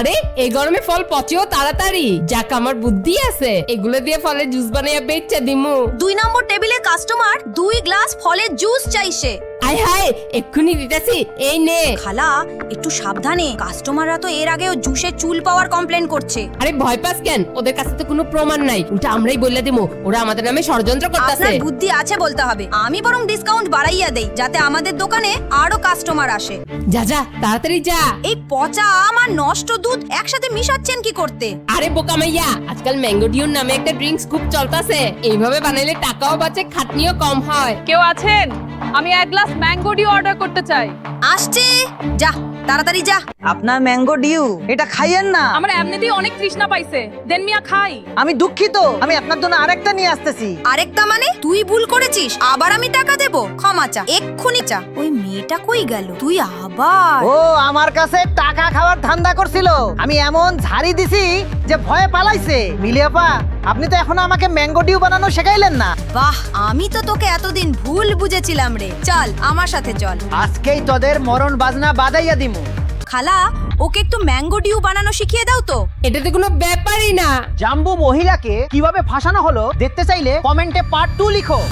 আরে এই গরমে ফল পচেও তাড়াতাড়ি, যাক আমার বুদ্ধি আছে, এগুলো দিয়ে ফলের জুস বানাইয়া বেচা দিমু। 2 নম্বর টেবিলে কাস্টমার 2 গ্লাস ফলের জুস চাইছে। আয় হায়, এক্ষুনি দিতেছি, এই নে। খালা একটু সাবধানে, কাস্টমাররা তো এর আগেও জুসের চুল পাওয়ার কমপ্লেন করছে। আরে ভয় পাস কেন, ওদের কাছে তো কোনো প্রমাণ নাই, উল্টা আমরাই বলে দিমু ওরা আমাদের নামে ষড়যন্ত্র করতেছে। আপনার বুদ্ধি আছে বলতে হবে, আমি বরং ডিসকাউন্ট বাড়াইয়া দেই যাতে আমাদের দোকানে আরো কাস্টমার আসে। যা যা তাড়াতাড়ি যা। এই পচা আম আর নষ্ট দুধ একসাথে মিশাচ্ছেন কি করতে? আরে বোকা মাইয়া, আজকাল ম্যাঙ্গো ডিউ নামে একটা ড্রিঙ্কস খুব চলতেছে, এইভাবে বানাইলে টাকাও বাঁচে, খাটনিও কম হয়। কেউ আছেন? আমি এক গ্লাস ম্যাঙ্গো ডিউ অর্ডার করতে চাই। আসছে, যা তাড়াতাড়ি যা। আপনার ম্যাঙ্গো ডিউ এটা খাইয়েন না। আমার এমনিতেই অনেক তৃষ্ণা পাইছে, দেন মিয়া খাই। আমি দুঃখিত, আমি আপনার জন্য আরেকটা নিয়ে আসতেছি। আরেকটা মানে? তুই ভুল করেছিস, আবার আমি টাকা দেব? ক্ষমা চা, এক্ষুনি চা। ওই মেয়েটা কই গেল? তুই আবার? ও আমার কাছে টাকা খাওয়ার ধান্দা করছিল, আমি এমন ঝাড়ি দিছি যে ভয়ে পালাইছে। মিলিয়াপা, আপনি তো এখনো আমাকে ম্যাঙ্গো ডিউ বানানো শেখাইলেন না। বাহ, আমি তো তোকে এতদিন ভুল বুঝেছিলাম রে। চল আমার সাথে চল। আজকেই তোদের মরণ বাজনা বাজাইয়া দিমু। খালা, ওকে একটু ম্যাঙ্গো ডিউ বানানো শিখিয়ে দাও তো। এটা তো কোনো ব্যাপারই না। জাম্বু মহিলাকে কিভাবে ফাঁসানো হলো দেখতে চাইলে কমেন্টে পার্ট 2 লিখো।